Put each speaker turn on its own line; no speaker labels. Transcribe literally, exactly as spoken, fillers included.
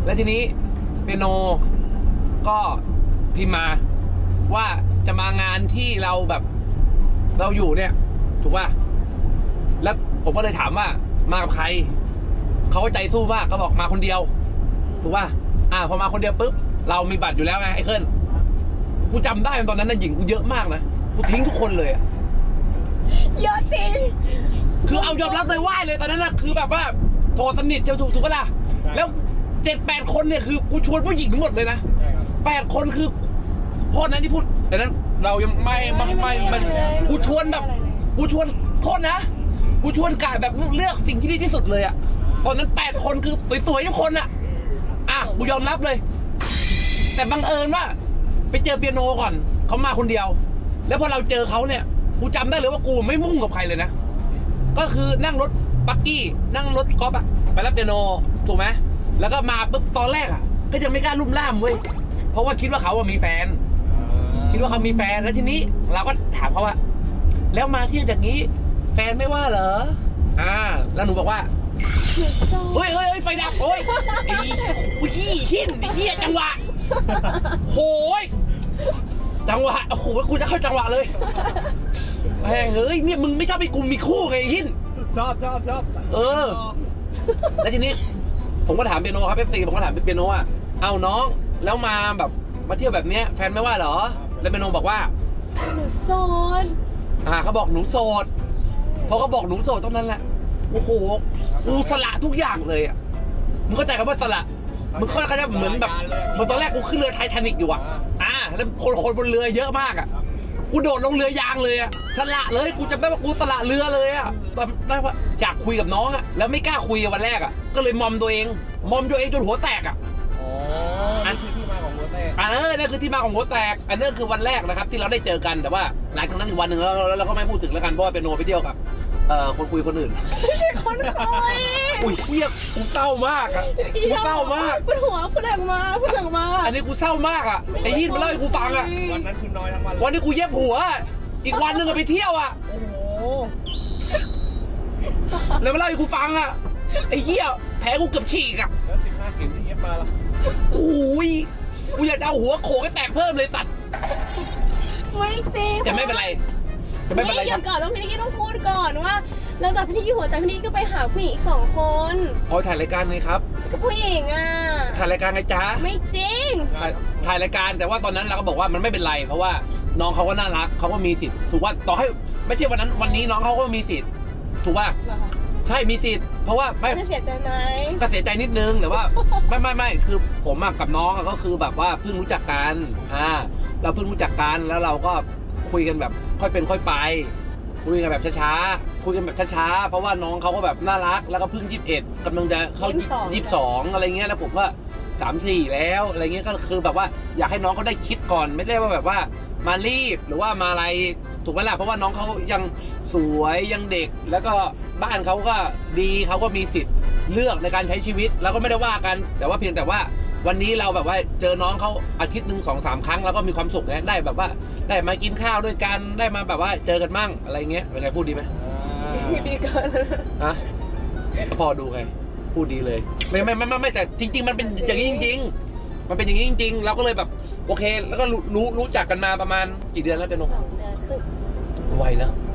แล้วทีนี้เปียโนก็พิมพ์มาว่าจะมางานที่เราแบบเราอยู่เนี่ยถูกป่ะแล้วผมก็เลยถามว่ามากับใครเขาก็ใจสู้มากเขาบอกมาคนเดียวถูกป่ะอ่าพอมาคนเดียวปุ๊บเรามีบัตรอยู่แล้วไงไอ้เคิลกูจำได้ตอนนั้นนะหญิงกูเยอะมากนะกูทิ้งทุกคนเลยอะ
เยอะจริง
คือเอายอมรับเลยไหวเลยตอนนั้นนะคือแบบว่าโทรสนิทเจ้าถูกถูกปะล่ะแล้วเจ็ดแปดคนเนี่ยคือกูชวนผู้หญิงทั้งหมดเลยนะแปดคนคือโทษนะที่พูดแต่นั้นเรายังไม่ไม่ไม่มันกูชวนแบบกูชวนโทษนะกูชวนกายแบบเลือกสิ่งที่ดีที่สุดเลยอะตอนนั้นแปดคนคือสวยๆทุกคนอะอ่ะกูยอมรับเลยแต่บังเอิญว่าไปเจอเปียโนก่อนเขามาคนเดียวแล้วพอเราเจอเขาเนี่ยกูจำได้เลยว่ากูไม่มุ่งกับใครเลยนะก็คือนั่งรถปักกี้นั่งรถกอล์ฟอะไปรับเปียโนถูกไหมแล้วก็มาปุ๊บตอนแรกอะก็ยังไม่กล้าลุ่มล่ามเว้ยเพราะว่าคิดว่าเขาอะมีแฟนคิดว่าเขามีแฟนแล้วทีนี้เราก็ถามเขาว่าแล้วมาเที่ยวอย่างนี้แฟนไม่ว่าเหรออ่าแล้วหนูบอกว่าเฮ้ยเฮ้ยไฟดับโอ้ยไอ้วิกี้หินไอ้เหี้ยจังหวะโหยจังหวะโอ้โหกูจะเข้าจังหวะเลยแม่งเฮ้ยเนี่ยมึงไม่ชอบไปกูมีคู่ไงหิน
ชอบชอบชอบ
เออแล้วทีนี้ผมก็ถามเปียโนครับเอฟซีผมก็ถามเปียโนอ่ะเอาน้องแล้วมาแบบมาเที่ยวแบบเนี้ยแฟนไม่ว่าเหรอแล้วเปียโนบอกว่า
หนูโสด
อ่าเขาบอกหนูโสดพอเขาบอกหนูโสดตรงนั้นแหละโอ้โหกูสละทุกอย่างเลยอ่ะมึงเข้าใจคำว่าสละมึงเข้าใจเหมือนแบบเหมือนตอนแรกกูขึ้นเรือไททานิคอยู่อ่ะอ่าแล้วคนคนบนเรือเยอะมากอ่ะกูโดดลงเรือยางเลยอ่ะสละเลยกูจำได้ว่ากูสละเรือเลยอ่ะตอนได้ว่าอยากคุยกับน้องอ่ะแล้วไม่กล้าคุยวันแรกอ่ะก็เลยมอมตัวเองมอมตัวเองจนหัวแตกอ่ะ
อ๋ออันคือที่มาของหัวแตก
อันนั้นนั่นคือที่มาของหัวแตกอันนั้นคือวันแรกนะครับที่เราได้เจอกันแต่ว่าหลังจากนั้นอีกวันหนึ่งแล้วเราก็ไม่พูดถึงแล้วกันเพราะว่าเปียโนไปเที่ยวกับเอ่อคนคุยคนอื่น
ไม่ใช่คนคุย
อุ้ยเฮียกูเศร้ามากอ่ะกูเศร้ามาก
พูดหัวพูดออกมาพูดออกมา
อันนี้กูเศร้ามากอ่ะไอ้ยี่มาเล่าให้กูฟังอ่ะ
วันนั้นคือน้อยทั้งวัน
วันนี้กูเย็บหัวอีกวันหนึ่งไปเที่ยวอ่ะ
โอ้โห
แล้วมาเล่าให้กูฟังอ่ะไอ้เหี้ยแผลกูเกือบฉีกอ่ะ
แล้วสิบห้าเข็มที่เย็บมาล่ะ
โอ้ยกูอยากจะเอาหัวโขกให้แตกเพิ่มเลยตัด
ไม่จริง
จะไม่เป็นไรจะไม่เป็นไร
ครับก่อนต้องพี่นิกกี้ต้องพูดก่อนว่าเราจากพี่นิกกี้หัวแต่พี่นิกกี้ก็ไปหาผู้หญิงอีกสองคน
อ๋อถ่ายรายการไงครับ
ก็ผู้หญิงอ่ะ
ถ่ายรายการไงจ๊ะ
ไม่จริง
ถ่ายถ่ายรายการแต่ว่าตอนนั้นเราก็บอกว่ามันไม่เป็นไรเพราะว่าน้องเขาก็น่ารักเขาก็มีสิทธิ์ถูกว่าต่อให้ไม่ใช่วันนั้นวันนี้น้องเขาก็มีสิทธิ์ถูกว่าใช่มีสิทธิ์เพราะว่าไม่
เสียใจไหม
ก็เสียใจนิดนึงแต่ว่าไม่ไม่ไม่คือผมกับน้องก็คือแบบว่าเพิ่งรู้จักกันอ่าเราเพิ่งรู้จักกันแล้วเราก็คุยกันแบบค่อยเป็นค่อยไปคุยกันแบบช้าๆคุยกันแบบช้าๆเพราะว่าน้องเขาก็แบบน่ารักแล้วก็เพิ่งยี่สิบเอ็ดกำลังจะเข้ายี่สิบสองอะไรเงี้ยแล้วผมก็สามสี่แล้วอะไรเงี้ยก็คือแบบว่าอยากให้น้องเขาได้คิดก่อนไม่ได้ว่าแบบว่ามารีบหรือว่ามาอะไรถูกไหมล่ะเพราะว่าน้องเขายังสวยยังเด็กแล้วก็บ้านเขาก็ดีเขาก็มีสิทธิ์เลือกในการใช้ชีวิตเราก็ไม่ได้ว่ากันแต่ว่าเพียงแต่ว่าวันนี้เราแบบว่าเจอน้องเขาอาทิตย์หนึ่งสองสามครั้งแล้วก็มีความสุขนะได้แบบว่าได้มากินข้าวด้วยกันได้มาแบบว่าเจอกันมั่งอะไรเงี้ยเป็นไงพูดดีไหม
ดีเกิน
ฮะพอดูไงพูดดีเลยไม่ไม่ไม่ไม่แต่จริงๆมันเป็นอย่างนี้จริงๆมันเป็นอย่างนี้จริงๆเราก็เลยแบบโอเคแล้วก็รู้รู้จักกันมาประมาณกี่เดือนแล้วเปียโน
สองเดือนครึ่ง
ไวนะ